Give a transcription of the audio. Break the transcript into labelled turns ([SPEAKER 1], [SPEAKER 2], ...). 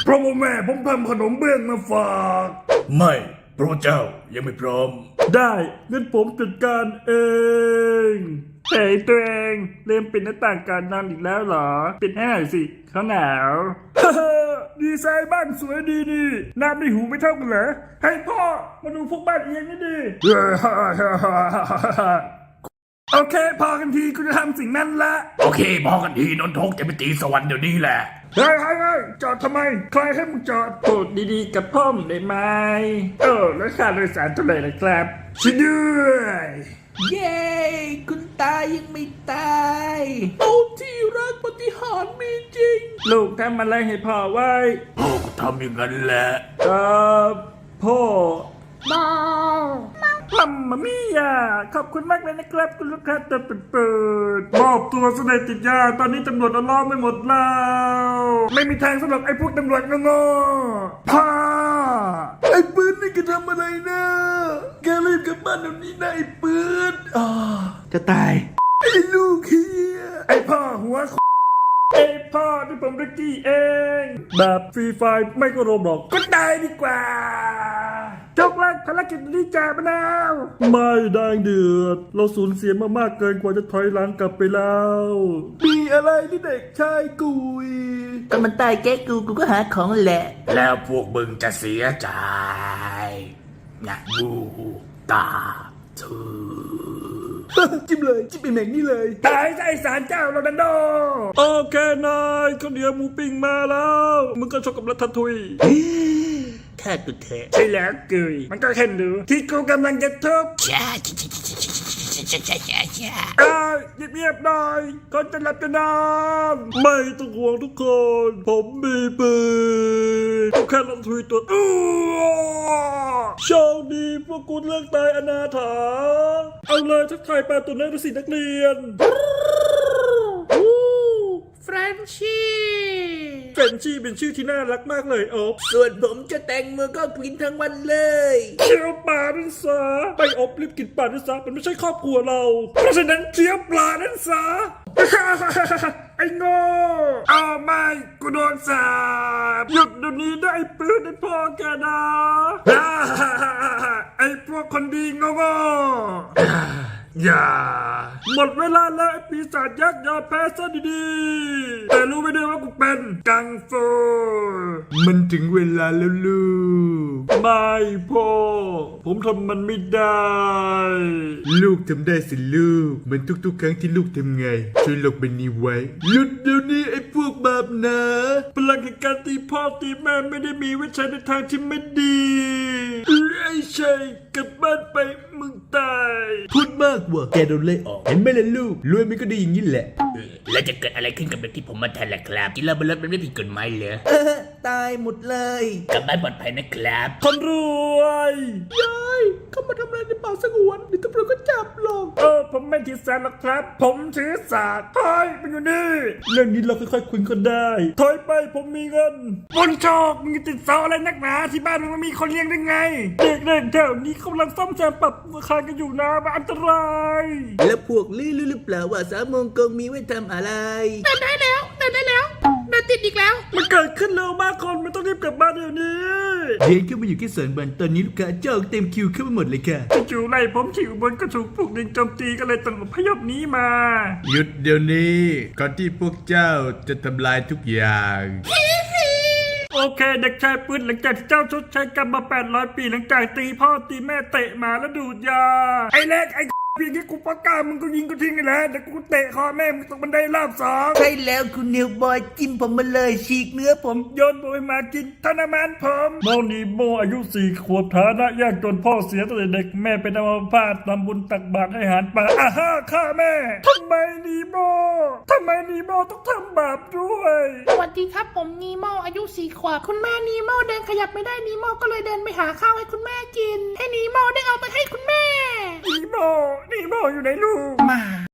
[SPEAKER 1] เพราะว่าแม่ผมทำขนมเบื้องมาฝากไม่พระเจ้ายังไม่พร้อมได้งั้นผมจัดการเองเฮ้ยตัวเองเริ่มปิดหน้าต่างการนอนอีกแล้วเหรอปิดให้หน่อยสิเขาหนาวดีไซน์บ้านสวยดีนี่น้ำในหูไม่เท่ากันเหรอให้พ่อมาดูพวกบ้านเอียงนี่ดิโอเคพอกันทีกูจะทำสิ่งนั้นละโอเคพอกันทีนนทกจะไปตีสวรรค์เดี๋ยวนี้แหละเฮ้ยจอดทำไมใครให้มึงจอดพูดดีๆกับพ่อมได้ไหมแล้วค่าโดยสารเท่าไหร่ล่ะครับช่วยด้วย
[SPEAKER 2] เย้คุณตายังไม่ตายโอ้ที่รักปฏิหารย์มีจริง
[SPEAKER 1] ลูกทำอะไรให้พ่อไว้พ่อก็ทำอย่างนั้นแหละพ่อมัมมามี่ยาขอบคุณมากเลยนะครับคุณลูกค้าตัวเปิดมอบตัวเสด็จติดยาตอนนี้ตำรวจเอาล้อมไม่หมดแล้วไม่มีทางสำหรับไอ้พวกตำรวจงงพ่อ
[SPEAKER 2] ไอ้ปืนนี่แกทำอะไรนะแกรีบกลับบ้านเดี๋ยวนี้นะไอ้ปืน
[SPEAKER 1] จะตาย
[SPEAKER 2] ไอ้ลูกเฮีย
[SPEAKER 1] ไอ้พ่อหัวไอ้พ่อที่ผมริกกี้เองแบบฟรีไฟไม่ก็โรบอกก็ได้ดีกว่าจบแล้วภารกิจนี้จ่ามะนาวไม่ได้เดือดเราสูญเสียมามากเกินกว่าจะถอยหลังกลับไปแล้ว
[SPEAKER 2] มีอะไรที่เด็กชายกุย
[SPEAKER 3] ก็มันตายแกกูก็หาของแหละ
[SPEAKER 1] แล้วพวกมึงจะเสียใจอยากบูตาเธอ
[SPEAKER 2] จิ้มเลยจิ้มไอ้แม็กนี่เลย
[SPEAKER 1] ตายใจสารเจ้าโรนัลโดโอเคนายข้าวเหนียวหมูปิ้งมาแล้วมึงก็ชกกับรัฐทุย
[SPEAKER 3] แค่ตุเท
[SPEAKER 1] ใช่แล้วเกยมันก็แค่ดูที่กูกำลังจะทุบเงียบๆหน่อยก่อนจะหลับจะนอนไม่ต้องห่วงทุกคนผมมีปืนแค่รัฐทุยตัวโชคดีพวกคุณเลิกตายอนาถาเอาเลยทักทายปลาตัวน้อยดูสินักเรียน
[SPEAKER 2] เฟรนชี่
[SPEAKER 1] เป็นชื่อที่น่ารักมากเลยอบ
[SPEAKER 2] ส่วนผมจะแต่งมือก็กินทั้งวันเลย
[SPEAKER 1] เคี้ยวปลานั่นซะไปอบรีบกินปลานั่นซะมันไม่ใช่ครอบครัวเราเพราะฉะนั้นเคี้ยวปลานั่นซะไอ้โง่เอาไม่กูโดนสาบหยุดเดี๋ยวนี้ได้ปืนได้พ่อแกนะไอ้พวกคนดีโง่อย่าหมดเวลาแล้วไอ้ปีศาจยักษ์ยอมแพ้ซะดีๆแต่รู้ไม่ได้ว่ากูเป็นกังฟู
[SPEAKER 2] มันถึงเวลาแล้วลูก
[SPEAKER 1] ไม่พ่อผมทำมันไม่ได้
[SPEAKER 2] ลูกทำได้สิลูกเหมือนทุกๆครั้งที่ลูกทำไงช่วยลบมันนี้ไว้หยุดเดี๋ยวนี้ไอ้พวกบาปนะ
[SPEAKER 1] พลังแห่งการตีพ่อตีแม่ไม่ได้มีไว้ใช้ในทางที่ไม่ดีไอ้ชัยกลับบ้านไปมึงตาย
[SPEAKER 2] พูดมากว่ะแกโดนไล่ออกเห็นไหมล่ะลูกรวยมันก็ดีอย่างนี้แหละ
[SPEAKER 3] แล้วจะเกิดอะไรขึ้นกับเด็กที่ผมมาแทนล่ะครับกินเหล้าบนรถมันไม่ผิดกฎหมายเหรอ
[SPEAKER 2] ตายหมดเลย
[SPEAKER 3] กลับบ้านปลอดภัยนะครับ
[SPEAKER 1] คนรวย
[SPEAKER 2] ยายเขามาทำอะไรในป่าสงวนเดี๋ยวตำรวจก็จับหรอก
[SPEAKER 1] ผมไม่ถือสาหรอกครับผมถือสาถอยมันอยู่นี่เรื่องนี้เราค่อยๆคุยกันได้ถอยไปผมมีเงินบนโชคมึงติดเสาอะไรนักหนาที่บ้านมึงไม่มีคนเลี้ยงได้ไงเด็กๆแถวนี้กำลังซ่อมแซมปรับราคากันอยู่นะมันอันตราย
[SPEAKER 2] แล้วพวกลี่รู้หรือเปล่าว่า3 โมงกงมีไว้ทำอะไร
[SPEAKER 4] ได้แล้วติดอีกแล้ว
[SPEAKER 1] มันเกิดขึ้นเร็วมากคนมันต้องรีบกลับบ้านเดี๋ยวนี้
[SPEAKER 2] เดินเข้ามาอยู่ที่สวนบอลตอนนี้ลูกค้าจองเต็มคิวเข้ามาหมดเลยค่ะ
[SPEAKER 1] จู่ๆไล่ผมที่อุบลก็ถูกพวกหนึ่งโจมตีก็เลยต้องอพยพหนีมา
[SPEAKER 2] หยุดเดี๋ยวนี้ก่อนที่พวกเจ้าจะทำลายทุกอย่าง
[SPEAKER 1] โอเคเด็กชายปืนหลังจากที่เจ้าชดใช้กรรมมา800 ปีหลังจากตีพ่อตีแม่เตะหมาแล้วดูดยาไอ้เล็กไอ้เพียงที่กูประกาศมึงก็ยิงกูทิ้งไปแล้วเดี๋ยวกูเตะคอแม่มึงตกบันไดรอบ2
[SPEAKER 2] ใช่แล้วคุณนิวบอยจิ้มผมมาเลยฉีกเนื้อผม
[SPEAKER 1] โยนบุยมากินทรมานผมโมนีโมอายุ4 ขวบฐานะยากจนพ่อเสียตั้งแต่เด็กแม่เป็นอัมพาตทำบุญตักบาตรให้อาหารปลาฆ่าแม่ทำไมนีโมต้องทำบาปด้วย
[SPEAKER 4] สวัสดีครับผมนีโมอายุ4 ขวบคุณแม่นีโมเดินขยับไม่ได้นีโมก็เลยเดินไปหาข้าวให้คุณแม่กินให้นีโมได้เอาไปให้คุณแม่
[SPEAKER 1] นีโมอยู่ไหนลูก
[SPEAKER 4] มา